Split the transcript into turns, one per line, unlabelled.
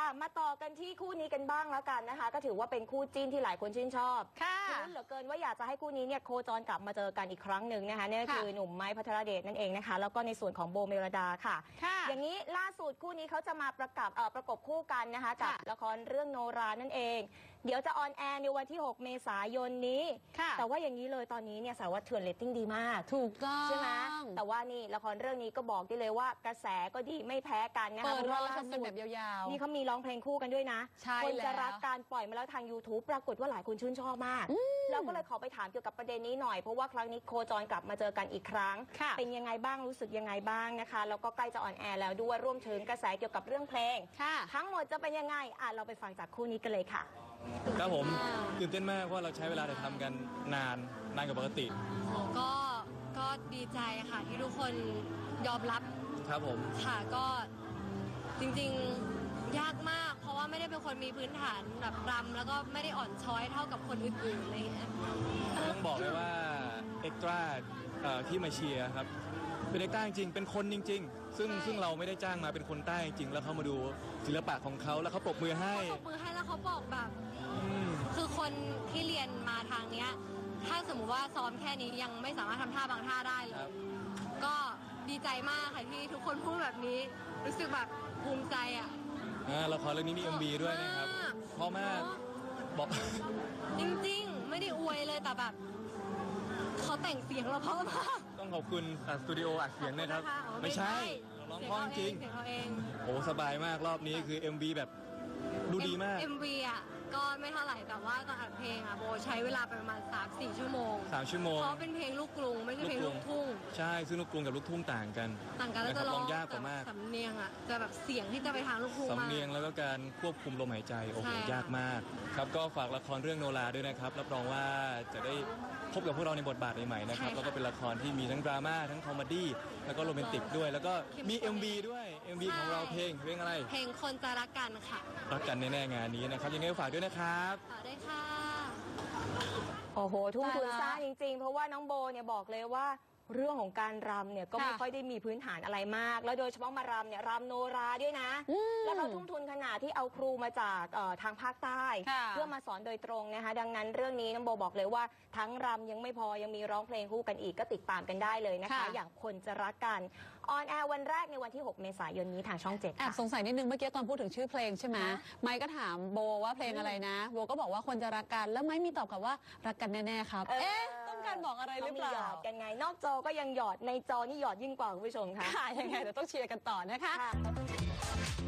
มาต่อกันที่คู่นี้กันบ้างแล้วกันนะคะก็ถือว่าเป็นคู่จิ้นที่หลายคนชื่นชอบ
ค่ะ
ลุ้นเหลือเกินว่าอยากจะให้คู่นี้เนี่ยโคจรกลับมาเจอกันอีกครั้งหนึ่งนะคะนี่คือหนุ่มไม้พัทรเดชนั่นเองนะคะแล้วก็ในส่วนของโบเมลดาค่ะอย่างนี้ล่าสุดคู่นี้เขาจะมาประกบคู่กันนะคะกับละครเรื่องโนรานั่นเองเดี๋ยวจะออนแอร์ในวันที่6 เมษายนนี้แต่ว่าอย่างนี้เลยตอนนี้เนี่ยสารวัตรเถื่อนเรตติ้งดีมาก
ถูกต้อง
ใช่ไหมแต่ว่านี่ละครเรื่องนี้ก็บอกได้เลยว่ากระแสก็ดีไม่แพ้กันนะคะ
เปิดรอชมกันแบบยาวๆ
นี่เขามีร้องเพลงคู่กันด้วยนะคนจะรักการปล่อยมาแล้วทาง YouTube ปรากฏว่าหลายคนชื่นชอบมากเราก็เลยขอไปถามเกี่ยวกับประเด็นนี้หน่อยเพราะว่าครั้งนี้โคจรกลับมาเจอกันอีกครั้งเป็นยังไงบ้างรู้สึกยังไงบ้างนะคะแล้วก็ใกล้จะออนแอร์แล้วด้วยรวมถึงกระแสเกี่ยวกับเรื่องเพลงทั้งหมดจะเป็นยังไงเราไปฟังจากคู่นี้กันเลยค่ะ
ครับผมตื่นเต้นมากเพราะเราใช้เวลาถ่ายทำกันนานกว่าปกติ
ก็ดีใจค่ะที่ทุกคนยอมรับ
ครับผม
ค่ะก็จริงๆยากมากเพราะว่าไม่ได้เป็นคนมีพื้นฐานแบบรำแล้วก็ไม่ได้อ่อนช้อยเท่ากับคนอื่นๆอะไรอย่างเงี้ย
ต้องบอกเลยว่าเอ็กตร้าที่มาเชียร์ครับเป็นเอ็กตร้าจริงเป็นคนจริงๆซึ่งเราไม่ได้จ้างมาเป็นคนใต้จริงแล้วเขามาดูศิลปะของเขาแล้วเขาปรบมือให้
แล้วเขาบอกแบบคือคนที่เรียนมาทางเนี้ยถ้าสมมุติว่าซ้อมแค่นี้ยังไม่สามารถทำท่าบางท่าได้เลยก็ดีใจมากค่ะที่ทุกคนพูดแบบนี้รู้สึกแบบภูมิใจ
ละครเรื่องนี้มี MV ด้วยนะครับเพราะมากบอก
จริงๆไม่ได้อวยเลยแต่แบบเขาแต่งเสียงเราเพราะมาก
ต้องขอบคุณสตูดิโออัดเสียงนะครับไม่ใช่ร้องเพราะจริงโอ้สบายมากรอบนี้คือ MV แบบดูดีมาก
MV ก็ไม่เท่าไหร่แต่ว่าตอนอัดเพลงโบใช้เวลาไปประมาณ 3-4 ชั่วโมง
3 ชั่วโมง
เพราะเป็นเพลงลูกกรุงไม่ใช่เพลงลูกทุ่ง
ใช่ซึ่งลูกกรุงกับลูกทุ่งต่างกัน
แล้วจะร้อง
ยากกว่ามาก
สำเนียงจะแบบเสียงที่จะไปทางลูกทุ่ง
สำเนียงแล้วก็การควบคุมลมหายใจโอ้โหยากมากครับก็ฝากละครเรื่องโนราด้วยนะครับรับรองว่าจะได้พบกับพวกเราในบทบาทใหม่ๆนะครับแล้วก็เป็นละครที่มีทั้งดราม่าทั้งคอมเมดี้แล้วก็โรแมนติกด้วยแล้วก็มี MV ด้วย MV ของเราเพลงอะไร
เพลงคนจะรักกันค่ะ
รักกันแน่ๆงานนี้นะครับยังไงฝากด้วยนะครับ
ฝากด้วยค่ะ
โอ้โหทุ่มทุนสร้างจริงๆเพราะว่าน้องโบเนี่ยบอกเลยว่าเรื่องของการรำเนี่ยก็ไม่ค่อยได้มีพื้นฐานอะไรมากแล้วโดยเฉพาะมารำเนี่ยรำโนราด้วยนะแล้วเขาทุ่มทุนขนาดที่เอาครูมาจากทางภาคใต้เพื่อมาสอนโดยตรงนะคะดังนั้นเรื่องนี้น้องโบบอกเลยว่าทั้งรำยังไม่พอยังมีร้องเพลงคู่กันอีกก็ติดตามกันได้เลยนะคะอย่างคนจะรักกันออนแอร์วันแรกในวันที่6 เมษายนนี้ทางช่อง 7
สงสัยนิดนึงเมื่อกี้ตอนพูดถึงชื่อเพลงใช่ไหมไมค์ก็ถามโบว่าเพลงอะไรนะโบก็บอกว่าคนจะรักกันแล้วไมค์มีตอบกลับว่ารักกันแน่ๆครับต้องการบอกอะไรหรือเปล่า
กันไงนอกจอก็ยังหยอดในจอนี่หยอดยิ่งกว่าคุณผู้ชมค่ะ
ยังไงเดี๋ยวต้องเชียร์กันต่อนะคะ